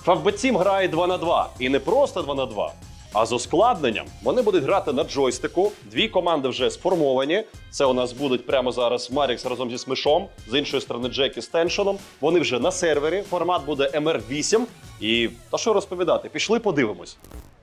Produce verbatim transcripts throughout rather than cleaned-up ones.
Фавбет сім грає два на два. І не просто два на два, а з ускладненням. Вони будуть грати на джойстику. Дві команди вже сформовані. Це у нас будуть прямо зараз Марікс разом зі Смішом. З іншої сторони Джекі з Теншоном. Вони вже на сервері. Формат буде ем ар вісім. І та що розповідати? Пішли подивимось.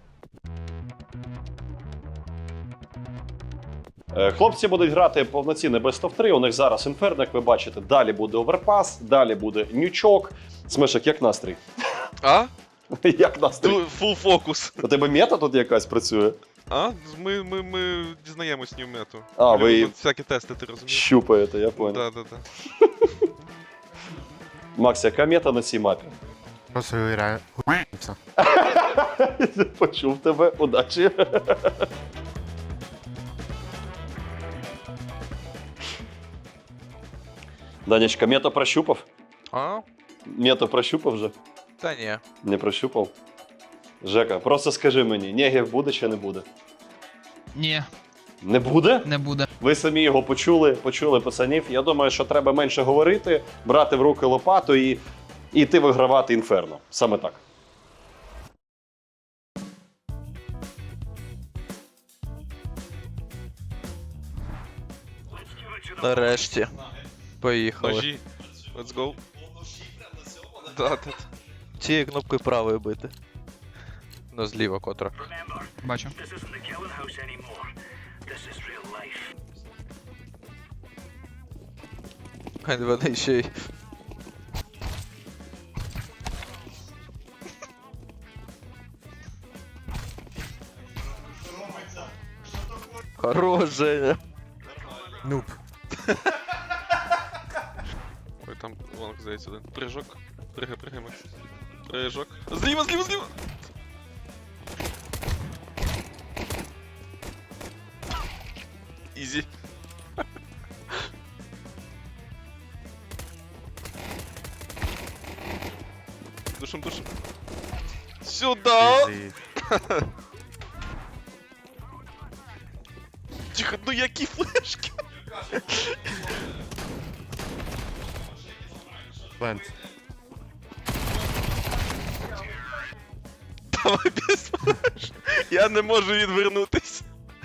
Хлопці будуть грати повноцінне Best of три. У них зараз Інферно, як ви бачите. Далі буде Оверпас, далі буде Нючок. Смешок, як настрій? А? Як настрій? Фул фокус. У тебе мета тут якась працює? А? Ми, ми, ми дізнаємось ню мету. А, ви всякі тести, ти розумієш? щупаєте, я понял. Да, да, да. Макс, яка мета на цій мапі? Просто граю. Почув тебе, удачі. Данечка, мета прощупав? А? Мета прощупав вже? Та ні. Не прощупав? Жека, просто скажи мені, Негів буде чи не буде? Ні, Не буде? не буде. Ви самі його почули, почули пацанів. Я думаю, що треба менше говорити, брати в руки лопату і, і йти вигравати Інферно. Саме так. Нарешті. Поїхали. Ножі. Let's go. Да, да, да. Цією кнопкою правою бити. Ну, зліва котра. Бачу. Хай вони ще й... Хорош, Женя. Нуб. Ой, там лонг здається один. Прыжок. Пригай, пригай, Макс. Прыжок. Зліва, зліва, зліва! Ізі. Душим, душим. Сюда! Ізі. Тихо, ну які флешки! Плент. Давай без флеш. Я не можу відвернутись.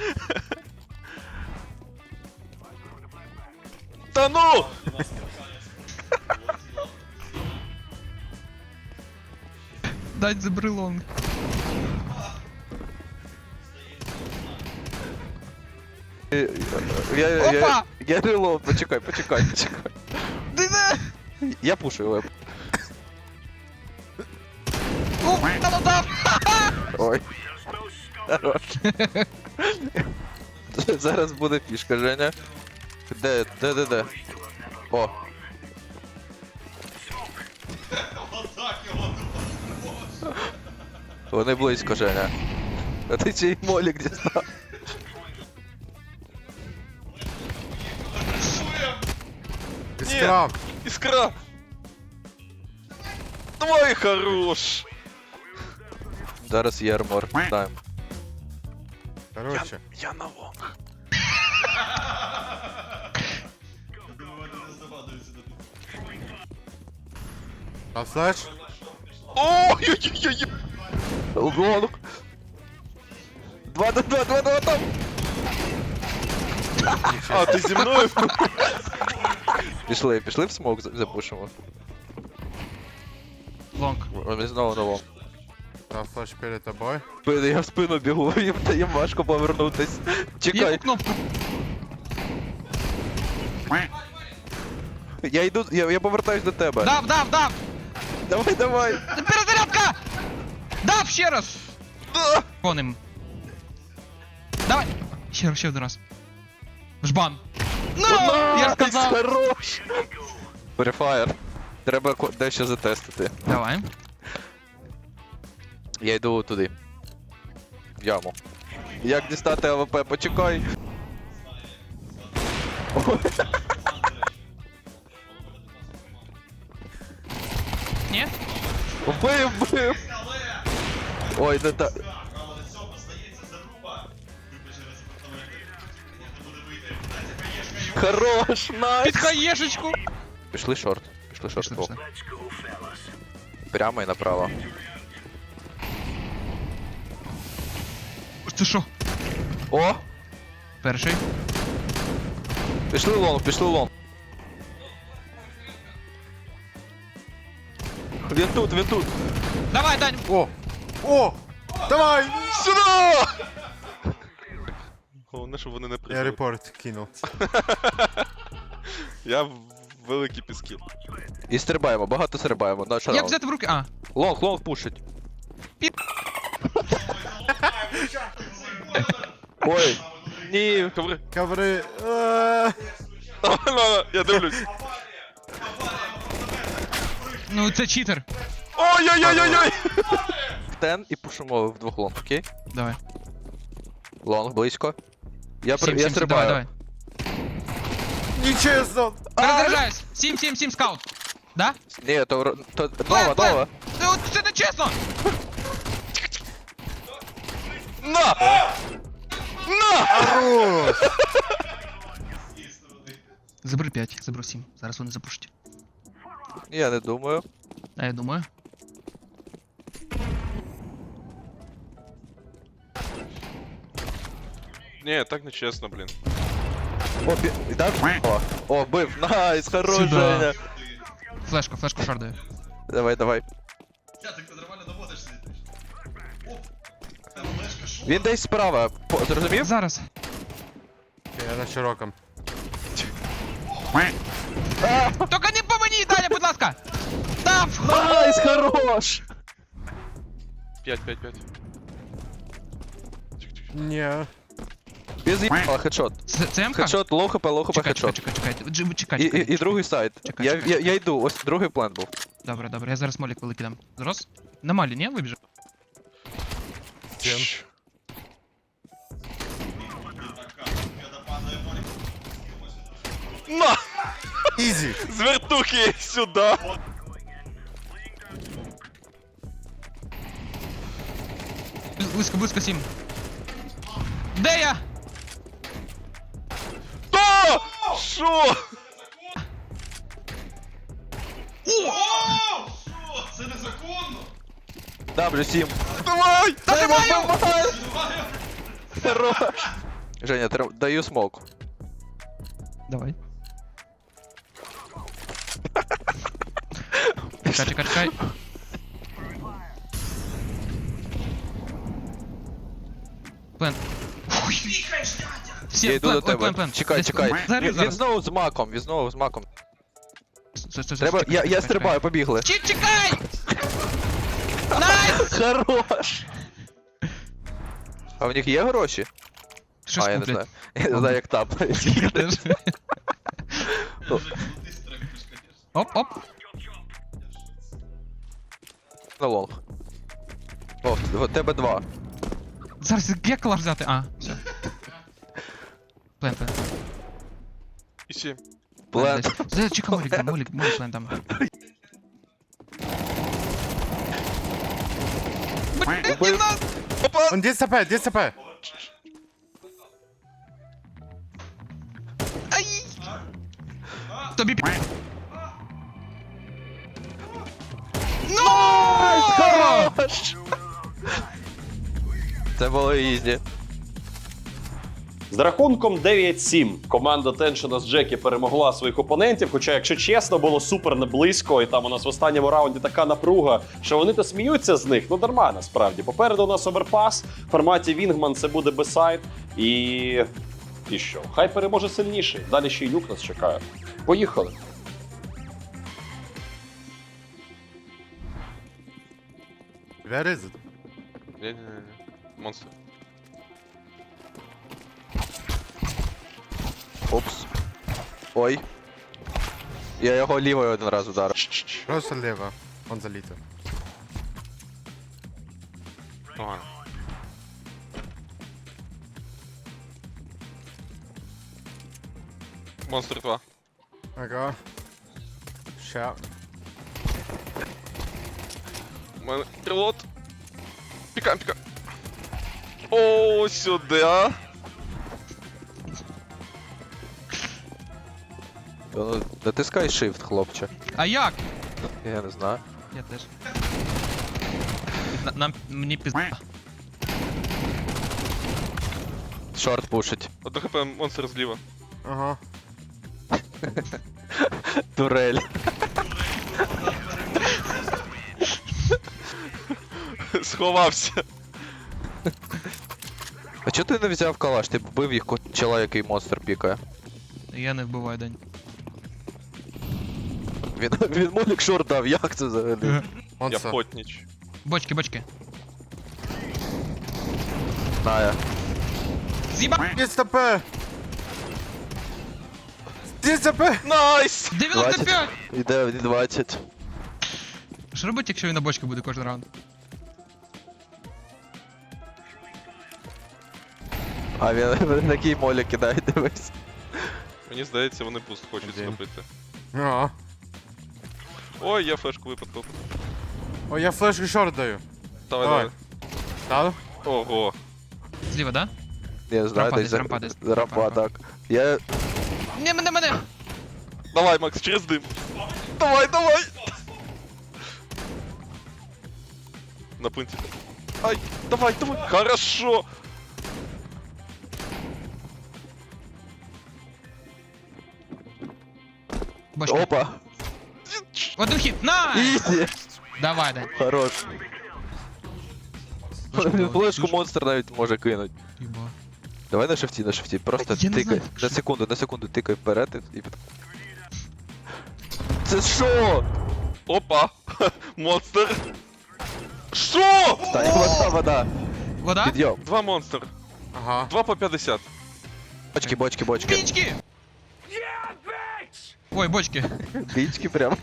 Та ну! Дать за брелонг. Я, я, я, Опа! я релоуд, почекай, почекай, почекай. Ти не! Я пушу його. Ух, та дав! Ой. Хорош. Зараз буде фішка, Женя. Де, де, де, де? О. Вони близько, Женя. А ти чий молік дістав? Іскра. Іскра! Давай, хорош! Зараз є армор. Даємо. Короче. Я на лонг. А флеш? Ой-ой-ой-ой! Лонг. Два на два, два на там. А, ти зі мною? Пішли, пішли в смок за- запушимо. Лонг. Вони знову на лонг. А флеш перед тобою. Блин, я в спину бігу, їм їм важко повернутись. Чекай, Яку кнопку? я йду, я, я повертаюсь до тебе. Дав, дав, дав! Давай, давай. Перезарядка! Дав ще раз! Да. Коним. Давай! Ще раз, ще один раз. Жбан! Ну! Я сказав! Хорош! Префаєр. Треба ко- дещо затестити. Давай. Я йду туди. В яму. Як дістати АВП? Почекай. Ні? Вбив, вбив! Ой, не та... Хорош, найс! Під хаєшечку! Пішли шорт. Пішли шорт. Пішли, О. пішли. прямо і направо. Це що? О! Перший. Пішли в лонг, пішли в лонг. Він тут, він тут. Давай, Дань! О! О! Давай! Сюда! Головне, щоб вони не Я прийшли. репорт кинул. Я в великий піскіл. І стрибаємо, багато стрибаємо. Наш Як раунд. взяти в руки? А, Лонг, лонг пушить. Пі- Ой. Ні. Коври. Коври. Е, Я дивлюсь. ну це читер. Ой-ой-ой-ой-ой! Тен і пушимо вдвох лонг, окей? Давай. Лонг близько. Я, при... Сім, я сім, сім, давай, стрибаю. давай. Нечестно! Перезаряджаюсь. Сім, сім, сім, скаут. Да? Ні, то, ро- то... Плен, Нова, плен. нова. Це, от- це не чесно! На! На! Хорош! Забери п'ять, заберу сім. Зараз вони запушать. Я не думаю. А я думаю. Ні, так не чесно, блін. О, бі... Да? О, о, бив. Найс, хорош, Сюда. Женя. Флешку, флешку шардаю. Давай, давай. Він десь справа. По... Зрозумів? Зараз. Я на широком. Тільки не по мені, Даня, будь ласка! Там! Найс, хорош! п'ять, п'ять, п'ять. Не. Без їбала, хедшот. Це, це МК? Хедшот, лоу хп, лоу хп, Чекай, чекай, хедшот. чекай, чекай. Дж- Чекай, І, чекай. і, і другий сайт. Чекай, Я, чекай. я, я йду, ось другий план був. Добре, добре, я зараз молік великий дам. Зрос? На малі, ні? Вибіжу. Тен. На! Изи. З вертухи сюди! Близько, близько сім. Де я? Та! Що? дабл ю сім. Давай! Та тримаю! Хорош. Женя, тр... даю смок. Давай. Чекай, чекай, чекай. Плен. Всі, Я йду плен, до ой, тебе. плен, плен. Чекай, Десь- чекай. Зараз, Він, він зараз. знову з маком, він знову з маком. Стой, стой, Треба, стой, я, чекай, я чекай, стрибаю, побігли. чекай. Чі- Чекай! Найс! Хорош! А в них є гроші? Щось а, я не куплять. знаю. Я не знаю, як тапають. Оп, оп. На лонг. О, в тебе два. Зараз як калаш взяти? А, все. Плен, плен. І сім. Плен. Зараз чекай, молік дам, молік, молік плен дам. Блін, Убив. нас! Он десять хп, десять хп. Ай! Тобі пі... Ну! Хорош! Це було ізі. З рахунком дев'ять сім команда Теншена з Джекі перемогла своїх опонентів. Хоча, якщо чесно, було супер неблизько, і там у нас в останньому раунді така напруга, що вони то сміються з них. Ну дарма насправді. Попереду у нас оверпас в форматі Вінгман, це буде бесайд. І. І що? Хай переможе сильніший. Далі ще й люк нас чекає. Поїхали. Where is it? Ні-ні-ні. Монстр. Опс. Ой. Я його лівою один раз ударив. Просто лево. Он залитый. Ладно. Монстр два. Ага. Ща. У мене пілот. Пікаємо, пікаємо. О, сюди, а? Ну, натискай shift, хлопче. А як? Я не знаю. Я теж. На- Нам мені пізда. Шорт пушить. Одно хп монстр зліва. Ага. Турель. Сховався. А чого ти не взяв калаш? Ти б вбив їх ко- чела, який монстр пікає. Я не вбиваю день. Він, він молік шорт дав, як це взагалі? Я Монстр. потніч. Бочки, бочки. Ная. З'їба! Есть ТП! Есть ТП! Найс! дев'яносто п'ять! Іде в двадцять. Що робить, якщо він на бочки буде кожен раунд? А він, він такий молік кидає, дивись. Мені здається, вони пуст хочуть Один. зробити. А. Ой, я флешку випадку. О, я флешку шорт даю. Давай, Давай. давай. Дал? Ого. Зліва, да? Я знаю, Рампа десь десь, за- рампа десь. за рампа, Рампа. так. Я... Не, мене, мене! Давай, Макс, через дим. Давай, давай! На пункті. Ай, давай, давай. Хорошо. Бочки. Опа! Один хід, найс! Ізі! Давай, Дань. Хорош. Бочку Він давай. флешку монстр навіть може кинуть. Єба. Давай на шифті, на шифті. Просто Я не тикай. знаю, На що- секунду, на секунду тикай вперед і під... Це що? Опа. Монстр. Що? Та вода, вода. Вода? Підйом. Два монстр. Ага. Два по п'ятдесят. Бочки, бочки, бочки. Пічки! Ой, бочки. Бічки прям.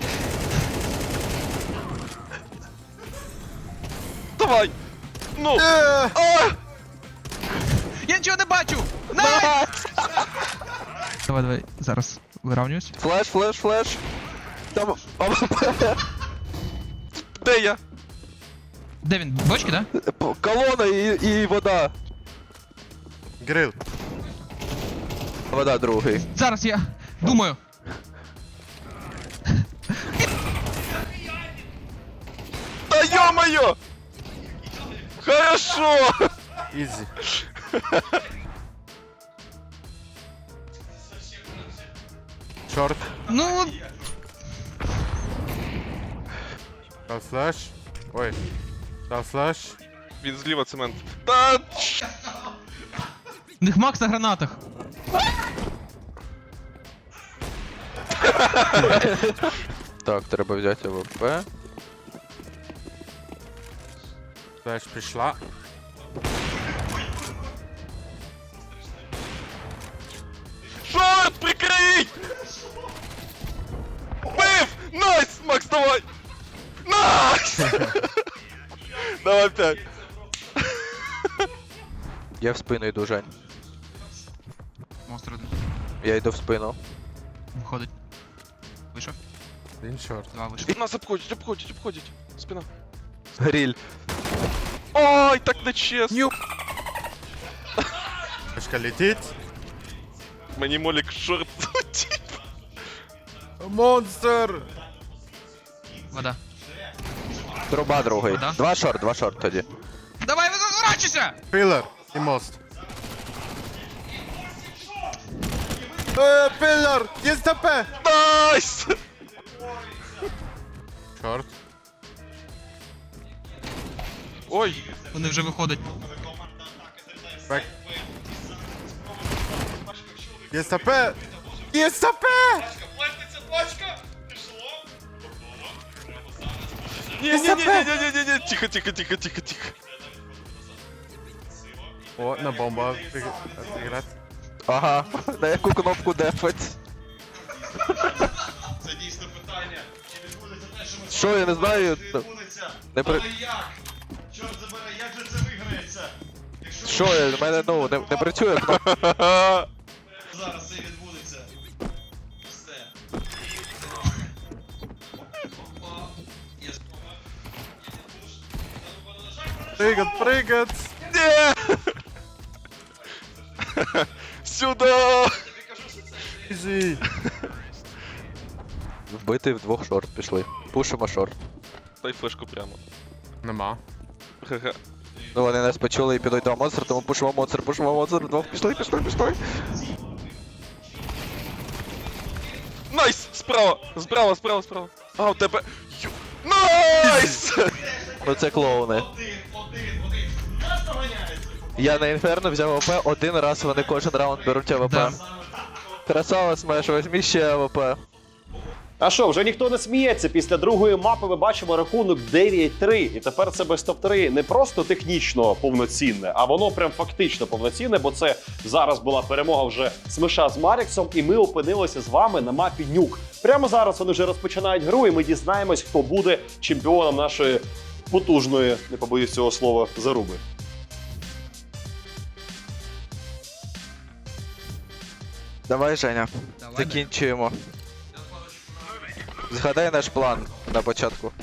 Давай. Ну. Е, А! Я нічого не бачу! Найс! Давай, давай, зараз вирівнююсь. Флеш, флеш, флеш. Там... Де я? Де він? Бочки, да? Колона і, і вода. Грил. Вода другий. Зараз я думаю. Да ё-моё! Хорошо! Изи. Шорт. Ну, Дал флеш. Ой. Дал флеш. Він зліва цемент. Та ч- в них Макс на гранатах. Так, треба взяти АВП. Флеш пришла. Шорт, прикрий! Бив! Найс! Макс, давай! Найс! Давай п'ять. Я в спину йду, Жень. Монстр один. Я йду в спину. Виходить. Вийшов? Один шорт. Два вийшов. Від нас обходять, обходять, обходять. Спина. Гриль. Ой, так нечесно. Флешка летит. Мені молік шорт залетів. Монстр! Вода. Труба другий. Вода. Два шорт, два шорт тоді. Давай, розворачуйся! Пилар и мост. Э, пилар! Есть ТП! Найс! Шорт. Ой, Вони вже виходять. Бэк. Есть ТП! Есть ТП! не-не-не-не-не-не, тихо, тихо, тихо, тихо, тихо. О, на бомба отыграть. Ага, на яку кнопку дефать? Це дійсно питання. Чи відбудеться те, що ми Що, я не знаю. Чи відбудеться? Не при... Але як? Чорт забере, як же це виграється? Якщо Що, я, в мене, ну, не, не працює кнопка. зараз це відбудеться. Все. Прыгать, прыгать! Не! Сюда! Изи! Вбити в двох шорт пішли. Пушимо шорт. Дай флешку прямо. Нема. ГГ. Ну вони нас почули і підуть до монстра, тому пушимо монстр, пушимо монстр, двох пішли, пішли, пішли. Найс! Справа! Справа, справа, справа. А, у тебе... Ю- Найс! Ну це клоуни. Один, один, один. Нас доганяється. Я на інферно взяв АВП, один раз вони кожен раунд беруть АВП. Да. Красава, Смеш, возьми ще АВП. А що, вже ніхто не сміється. Після другої мапи ми бачимо рахунок дев'ять три. І тепер це без топ три не просто технічно повноцінне, а воно прям фактично повноцінне, бо це зараз була перемога вже Смеша з Маріксом, і ми опинилися з вами на мапі Нюк. Прямо зараз вони вже розпочинають гру, і ми дізнаємось, хто буде чемпіоном нашої потужної, не побоюсь цього слова, заруби. Давай, Женя, Давай, закінчуємо. Згадай наш план на початку.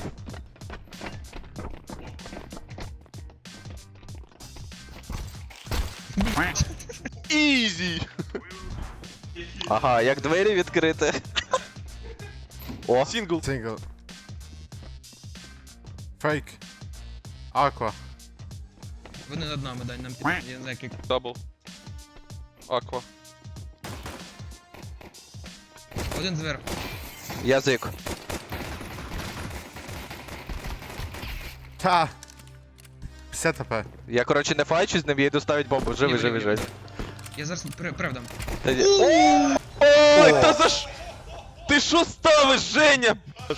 Ізі! Ага, як двері відкрити. О, Сінгл. Single. Fake. Aqua. Вони над нами, дай нам під... Я не знаю, як... Дабл. Аква. Один зверху. язик. Та. п'ятдесят АП. Я, коротше, не файчусь з ним, я йду ставить бомбу. Живи, Ні, живи, ні, живи. Я зараз при- правдам. Та ні. Ой, та за ш... Ти що ставиш, Женя?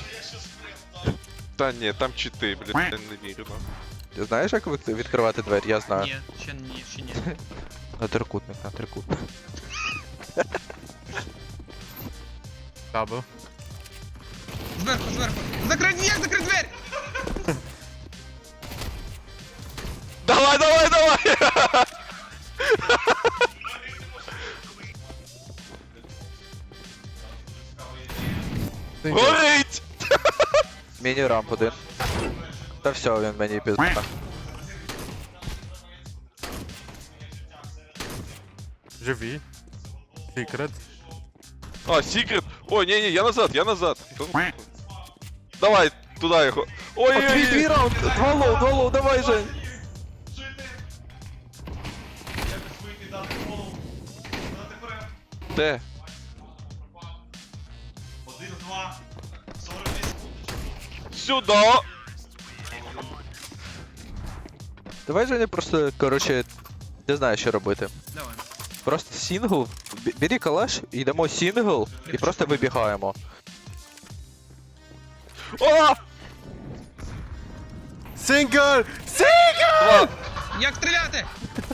Та ні, там чити, блядь, я не вірю, на. Ти знаєш, як від- відкривати двері? Я знаю. Ні, ще ні, ще ні. На трикутник, на трикутник. Double. Зверху, зверху. Закрий, як закрий двері? Давай, давай, давай! Single. Горить! Міні-рамп один. Та все, він мені пізда. Живі. Secret. А, секрет! Ой, не-не, я назад, я назад. Давай, туда його. Ой, О, твій, твій раунд! Два лоу, два лоу, давай, Жень! Жити. Якось вийти, дати голову. Дати вперед. Де? Один, два. сорок вісім. Сюда! Давай, Женя, просто, коротше, не знаю, що робити. Давай. Просто сінгл, бі- бери калаш, йдемо сінгл і просто вибігаємо. О! Single! Single! Як стріляти?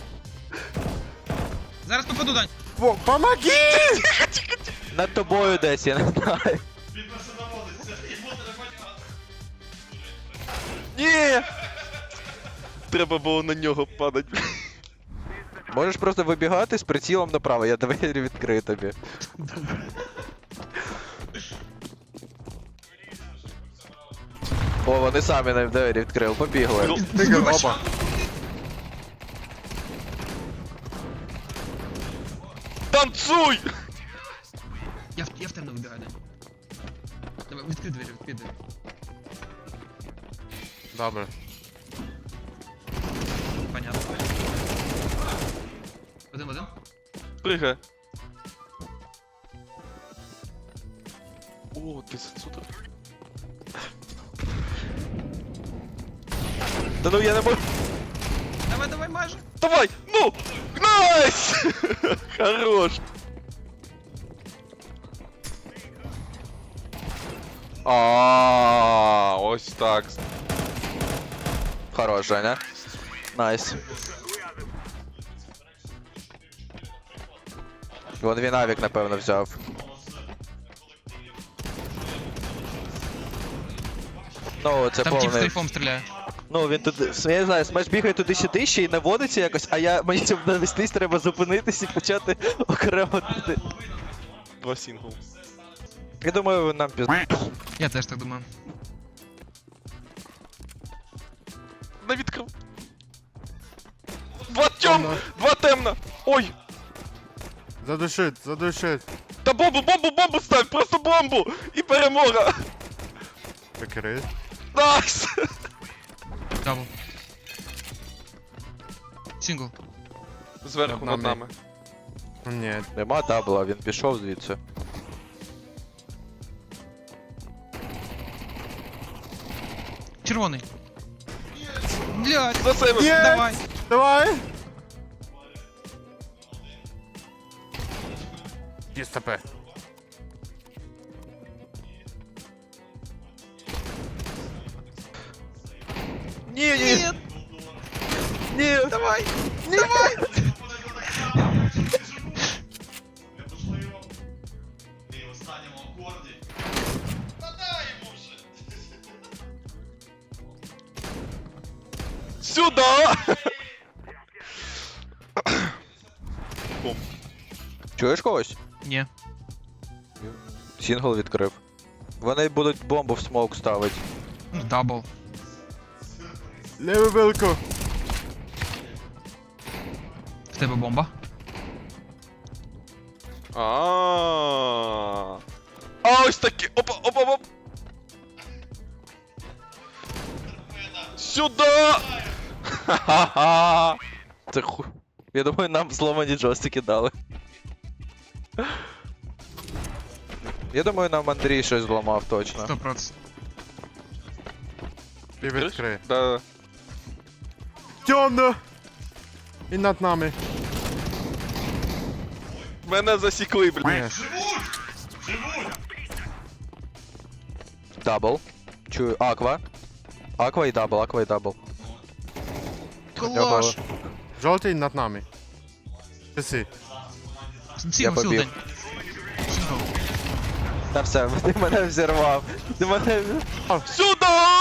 Зараз попаду, Дань. Во- Помоги! Над тобою десь, я не знаю. Він просто наводиться. Йому треба. Ні! Треба було на нього падати. Можеш просто вибігати з прицілом направо, я двері відкрию тобі. О, вони самі нам двері відкрили, побігли. Single, оба. Танцуй! Я, в- я в темно вибігаю, Дань. Давай, відкрий двері, відкрий двері. Добре. Понятно. Один в один. Пригай. О, ти отсюда. Та ну я не можу. Давай, давай, майже. Давай! Ну! Найс! Хорош! А, ось так. Хорош, Женя. Найс. Вон він авік, напевно, взяв. Ну, це Там тип з повний. трейфом стріляє. Ну, він тут, я не знаю, смеш бігає туди-сюди ще й наводиться якось, а я, мені щоб навестись, треба зупинитись і почати окремо туди. Два сингл. Я думаю, нам піз... Я теж так думаю. На відкрив. Два тьом! Темно. Два темно! Ой! Задушить, задушить. Та бомбу, бомбу, бомбу ставь! Просто бомбу! І перемога! Прикрий. Найс! Дабл. Сингл. Зверху Над над нами. нами. Ні. Нема дабла, він пішов звідси. Червоний. Блядь. За себе. Є! Давай. Давай! Є СТП. Ні, ні! Ні! Давай. Неможливо. І в останньому акорді. Та дай йому вже. Сюда! Чуєш когось? Ні. Сінгл відкрив. Вони будуть бомбу в смоук ставити. Ну, дабл. Леву вилку. В тебе бомба. А. А ось такі. Опа, опа, оп. Сюда! Ха-ха-ха! Це ху... Я думаю, нам зломані джойстики дали. Я думаю, нам Андрій щось зламав точно. Сто процентів. І відкриє. Да. Темно! І над нами. Мене засікли, блін. Ні. Дабл. Чую. Аква. Аква і дабл, аква і дабл. Клаш. Жовтий над нами. Часи. Сингл, сингл, побіг. день. Сингл. Та все, ти мене взірвав. Ти мене... Сюда!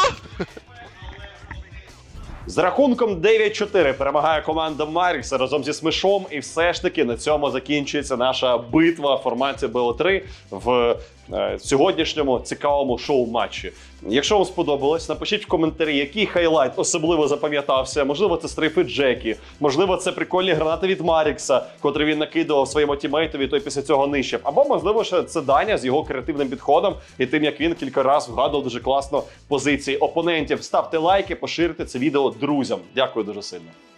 З рахунком дев'ять чотири перемагає команда Марікса разом зі Смешом. І все ж таки на цьому закінчується наша битва в форматі Б О три в е, сьогоднішньому цікавому шоу-матчі. Якщо вам сподобалось, напишіть в коментарі, який хайлайт особливо запам'ятався. Можливо, це стрейфи Джекі, можливо, це прикольні гранати від Марікса, котрі він накидував своєму тімейтові, той після цього нищив. Або, можливо, ще це Даня з його креативним підходом і тим, як він кілька разів вгадував дуже класно позиції опонентів. Ставте лайки, поширте це відео друзям. Дякую дуже сильно.